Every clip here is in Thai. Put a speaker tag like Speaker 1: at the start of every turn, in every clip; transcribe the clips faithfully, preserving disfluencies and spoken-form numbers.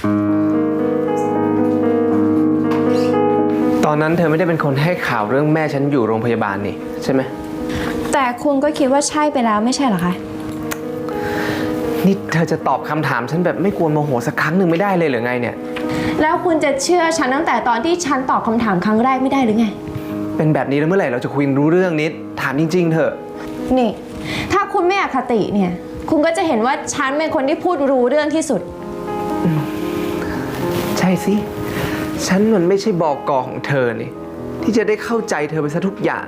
Speaker 1: ตอนนั้นเธอไม่ได้เป็นคนให้ข่าวเรื่องแม่ฉันอยู่โรงพยาบาลนี่ใช่ไหม
Speaker 2: แต่คุณก็คิดว่าใช่ไปแล้วไม่ใช่เหรอคะ
Speaker 1: นี่เธอจะตอบคำถามฉันแบบไม่กวนโมโหสักครั้งหนึ่งไม่ได้เลยหรือไงเนี่ย
Speaker 2: แล้วคุณจะเชื่อฉันตั้งแต่ตอนที่ฉันตอบคำถามครั้งแรกไม่ได้หรือไง
Speaker 1: เป็นแบบนี้แล้วเมื่อไหร่เราจะคุยรู้เรื่องนิดถามจริงๆเถอะ
Speaker 2: นี่ถ้าคุณไม่อคติเนี่ยคุณก็จะเห็นว่าฉันเป็นคนที่พูดรู้เรื่องที่สุด
Speaker 1: ใช่สิฉันมันไม่ใช่บอกกอของเธอนี่ที่จะได้เข้าใจเธอไปซะทุกอย่าง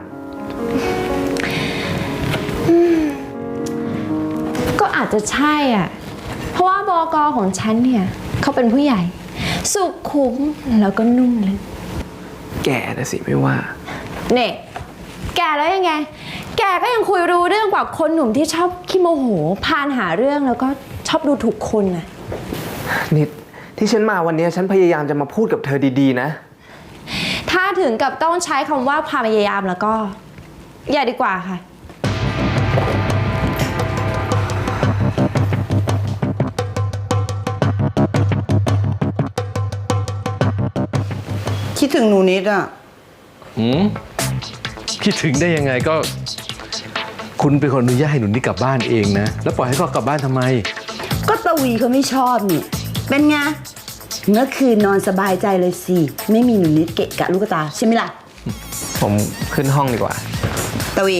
Speaker 2: ก็อาจจะใช่อ่ะเพราะว่าบก.ของฉันเนี่ยเขาเป็นผู้ใหญ่สุขุมแล้วก็นุ่มลึก
Speaker 1: แกนะสิไม่ว่า
Speaker 2: เนี่ยแกแล้วยังไงแกก็ยังคุยรู้เรื่องกว่าคนหนุ่มที่ชอบขี้โมโหพานหาเรื่องแล้วก็ชอบดูถูกคนน่ะ
Speaker 1: นิดที่ฉันมาวันนี้ฉันพยายามจะมาพูดกับเธอดีๆนะ
Speaker 2: ถ้าถึงกับต้องใช้คำว่าพยายามแล้วก็อย่าดีกว่าค่ะ
Speaker 3: คิดถึงหนูนิดอ่ะ
Speaker 4: หืมคิดถึงได้ยังไงก็คุณเป็นคนอนุญาตให้หนูนิดกลับบ้านเองนะแล้วปล่อยให้เขากลับบ้านทำไม
Speaker 3: ก็ตะวีเขาไม่ชอบนี่เป็นไงเมื่อคืนนอนสบายใจเลยสิไม่มีหนูนิดเกะกะลูกตาใช่ไหมล่ะ
Speaker 1: ผมขึ้นห้องดีกว่า
Speaker 3: ตะวี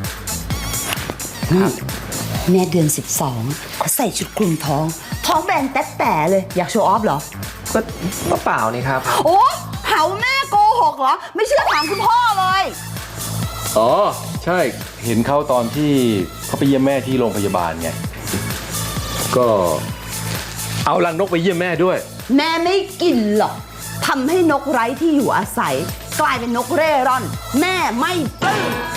Speaker 3: แม่เดือนสิบสองเขาใส่ชุดคลุมท้องท้องแบนแต๊ะแต่เลยอยากโชว์ออฟเหรอ
Speaker 1: ก็ก็เปล่านี่ครับ
Speaker 3: โอ้เผาแม่โกหกเหรอไม่เชื่อถามคุณพ่อเลย
Speaker 4: อ๋อใช่เห็นเขาตอนที่เขาไปเยี่ยมแม่ที่โรงพยาบาลไงก็เอารังนกไปเยี่ยมแม่ด้วย
Speaker 3: แม่ไม่กินหรอกทำให้นกไร้ที่อยู่อาศัยกลายเป็นนกเร่ร่อนแม่ไม่ปลื้ม